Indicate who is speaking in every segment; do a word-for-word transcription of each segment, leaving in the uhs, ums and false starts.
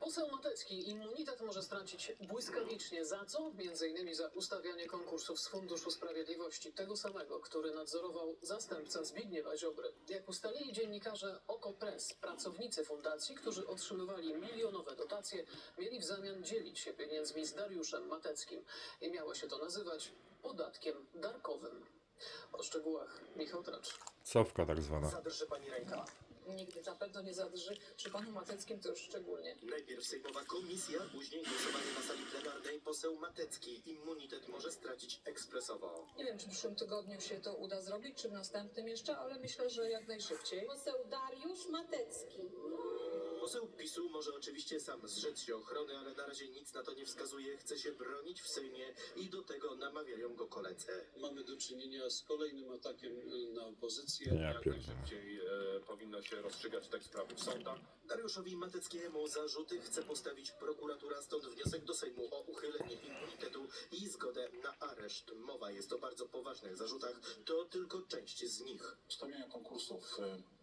Speaker 1: Poseł Matecki immunitet może stracić błyskawicznie. Za co? Między innymi za ustawianie konkursów z Funduszu Sprawiedliwości, tego samego, który nadzorował zastępca Zbigniewa Ziobry. Jak ustalili dziennikarze OKO.press, pracownicy fundacji, którzy otrzymywali milionowe dotacje, mieli w zamian dzielić się pieniędzmi z Dariuszem Mateckim. I miało się to nazywać podatkiem darkowym. O szczegółach Michał Tracz.
Speaker 2: Cofka tak zwana.
Speaker 3: Zadrży pani ręka?
Speaker 4: Nigdy na pewno nie zadrży. Przy panu Mateckim to już szczególnie.
Speaker 3: Najpierw sejmowa komisja, później głosowanie na sali plenarnej. Poseł Matecki immunitet może stracić ekspresowo.
Speaker 4: Nie wiem, czy w przyszłym tygodniu się to uda zrobić, czy w następnym jeszcze, ale myślę, że jak najszybciej.
Speaker 5: Poseł Dariusz Matecki.
Speaker 3: Poseł PiSu może oczywiście sam zrzec się ochrony, ale na razie nic na to nie wskazuje. Chce się bronić w Sejmie i do tego namawiają go koledzy.
Speaker 6: Mamy do czynienia z kolejnym atakiem na opozycję.
Speaker 2: Ja
Speaker 7: Jak
Speaker 2: pierdolę.
Speaker 7: najszybciej e, powinno się rozstrzygać te sprawy w sądach.
Speaker 3: Dariuszowi Mateckiemu zarzuty chce postawić prokuratura, stąd wniosek do Sejmu o uchylenie immunitetu i zgodę na areszt. Mowa jest o bardzo poważnych zarzutach, to tylko część z nich.
Speaker 8: Ustawiania konkursów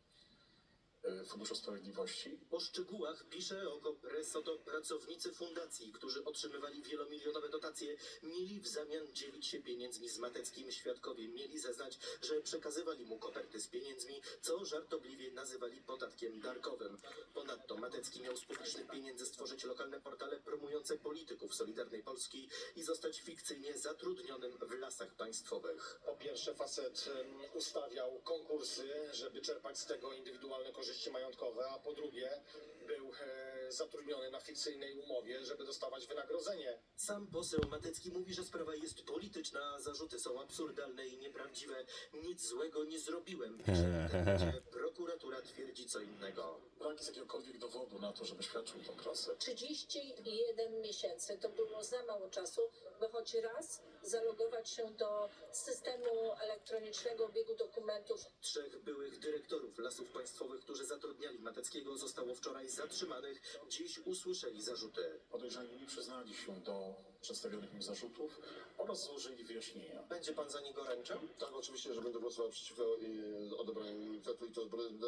Speaker 8: y, y, Funduszu Sprawiedliwości.
Speaker 3: O szczegółach pisze OKO.press, oto pracownicy fundacji, którzy otrzymywali wielomilionowe dotacje, mieli w zamian dzielić się pieniędzmi z Mateckim. Świadkowie mieli zeznać, że przekazywali mu koperty z pieniędzmi, co żartobliwie nazywali podatkiem darkowym. Ponadto Matecki miał z publicznych pieniędzy stworzyć lokalne portale promujące polityków Solidarnej Polski i zostać fikcyjnie zatrudnionym w Lasach Państwowych.
Speaker 9: Po pierwsze, facet em, ustawiał konkursy, żeby czerpać z tego indywidualne korzyści majątkowe, a po drugie był e, zatrudniony na fikcyjnej umowie, żeby dostawać wynagrodzenie.
Speaker 3: Sam poseł Matecki mówi, że sprawa jest polityczna, a zarzuty są absurdalne i nieprawdziwe. Nic złego nie zrobiłem. Pisze w internecie. Prokuratura twierdzi co innego.
Speaker 8: Brak jest jakiegokolwiek dowodu na to, żeby świadczył tą pracę.
Speaker 5: trzydzieści jeden miesięcy to było za mało czasu, by choć raz zalogować się do systemu elektronicznego obiegu dokumentów.
Speaker 3: Trzech byłych dyrektorów Lasów Państwowych, którzy zatrudniali Mateckiego, zostało wczoraj zatrzymanych. Dziś usłyszeli zarzuty.
Speaker 8: Podejrzani przyznali się do przedstawionych im zarzutów oraz złożyli wyjaśnienia.
Speaker 3: Będzie pan za niego ręczał?
Speaker 9: Tak, oczywiście, że będę głosował przeciwko y, odebraniu immunitetu i to będę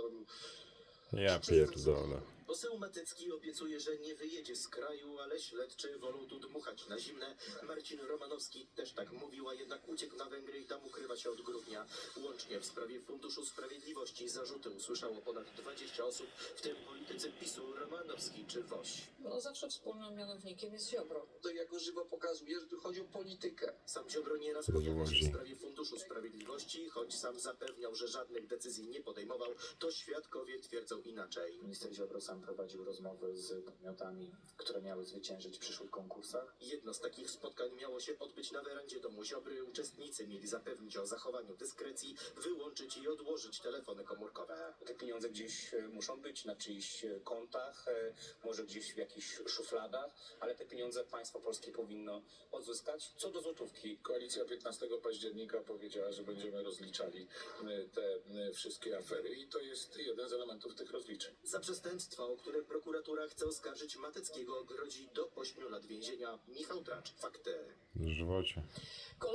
Speaker 2: Ja pierdolę.
Speaker 3: Poseł Matecki obiecuje, że nie wyjedzie z kraju, ale śledczy wolą tu dmuchać na zimne. Marcin Romanowski też tak mówił, a jednak uciekł na Węgry i tam ukrywa się od grudnia. Łącznie w sprawie Funduszu Sprawiedliwości zarzuty usłyszało ponad dwadzieścia osób, w tym politycy PiSu Romanowski czy Woś.
Speaker 4: No zawsze wspólnym mianownikiem jest Ziobro.
Speaker 10: To jako żywo pokazuje, że tu chodzi o politykę.
Speaker 3: Sam Ziobro nieraz pojawił się w sprawie Funduszu Sprawiedliwości, choć sam zapewniał, że żadnych decyzji nie podejmował, to świadkowie twierdzą inaczej.
Speaker 11: Minister Ziobro sam prowadził rozmowy z podmiotami, które miały zwyciężyć w przyszłych konkursach.
Speaker 3: Jedno z takich spotkań miało się odbyć na werandzie domu Ziobry. Uczestnicy mieli zapewnić o zachowaniu dyskrecji, wyłączyć i odłożyć telefony komórkowe.
Speaker 11: Te pieniądze gdzieś e, muszą być na czyichś e, kontach, e, może gdzieś w jakichś szufladach, ale te pieniądze państwo polskie powinno odzyskać. Co do złotówki.
Speaker 8: Koalicja piętnastego października powiedziała, że będziemy rozliczali y, te y, wszystkie afery i to jest jeden z elementów tych rozliczeń.
Speaker 3: Za przestępstwa, o które prokuratura chce oskarżyć Mateckiego, grozi do ośmiu lat więzienia. Michał Tracz, Fakty.
Speaker 2: W żywocie.